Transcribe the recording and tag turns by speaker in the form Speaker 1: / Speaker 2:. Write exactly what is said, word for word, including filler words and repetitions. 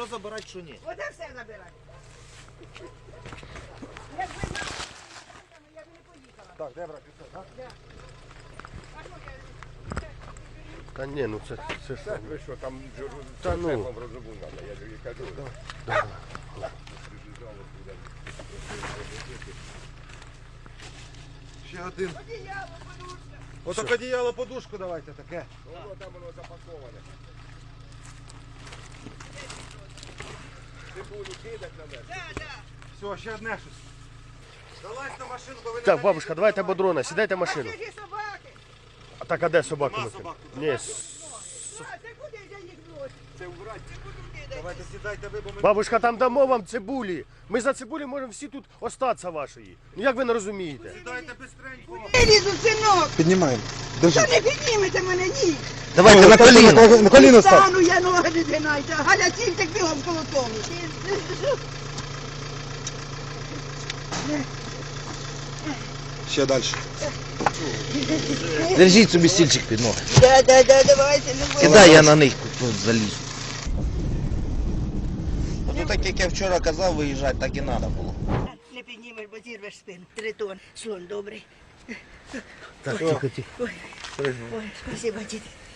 Speaker 1: забирати, що ні.
Speaker 2: Оце все забирай. Якби на я б не поїхала.
Speaker 1: Так, де брати все, так?
Speaker 2: А що я?
Speaker 3: Та ні, ну це, це ж...
Speaker 4: Це ви що, там
Speaker 3: Та ну.
Speaker 4: шефом розуму треба, я тобі кажу.
Speaker 3: Да.
Speaker 1: Ще один.
Speaker 2: Одіяло, подушка.
Speaker 1: Отак одіяло, подушку давайте таке.
Speaker 4: Воно там воно запаковане. Ти буду кидати на мене.
Speaker 2: Да, да.
Speaker 1: Все, ще одне щось. Залазь на машину, бо ви не
Speaker 3: Так, бабушка, давайте бодрона, сідайте в машину.
Speaker 2: А це ж і собаки.
Speaker 3: А так, а де собаки?
Speaker 1: Нема
Speaker 3: Микола?
Speaker 1: собак тут.
Speaker 3: Ні,
Speaker 2: А, це куди я їх носю?
Speaker 4: Це убрати.
Speaker 2: Це куди кидати?
Speaker 1: Давайте сідайте ви, бо ми...
Speaker 3: бабушка, там дамо вам цибулі. Ми за цибулі можемо всі тут остатися вашої. Ну як ви не розумієте?
Speaker 1: Сідайте бистренько.
Speaker 2: Я лізу, синок.
Speaker 5: Піднімаємо.
Speaker 2: Та
Speaker 5: Держи.
Speaker 2: не піднімете мене, ні.
Speaker 5: Давайте на коліно. На коліно став.
Speaker 2: Стану, я ноги не згинайте. Галя, тільки бігом коло тому.
Speaker 5: Ще далі.
Speaker 6: Держіть собі стільчик під ноги.
Speaker 2: Да, да, да, давайте, не бойся.
Speaker 6: Кидай, я на них тут залізу. Ну так як я вчора казав, виїжджати, так і треба було.
Speaker 2: Не піднімеш, бо зірвеш спину. Тритон. Слон добрий.
Speaker 3: Так, тихо, тихо.
Speaker 2: Ой, ой, спасибо, діти.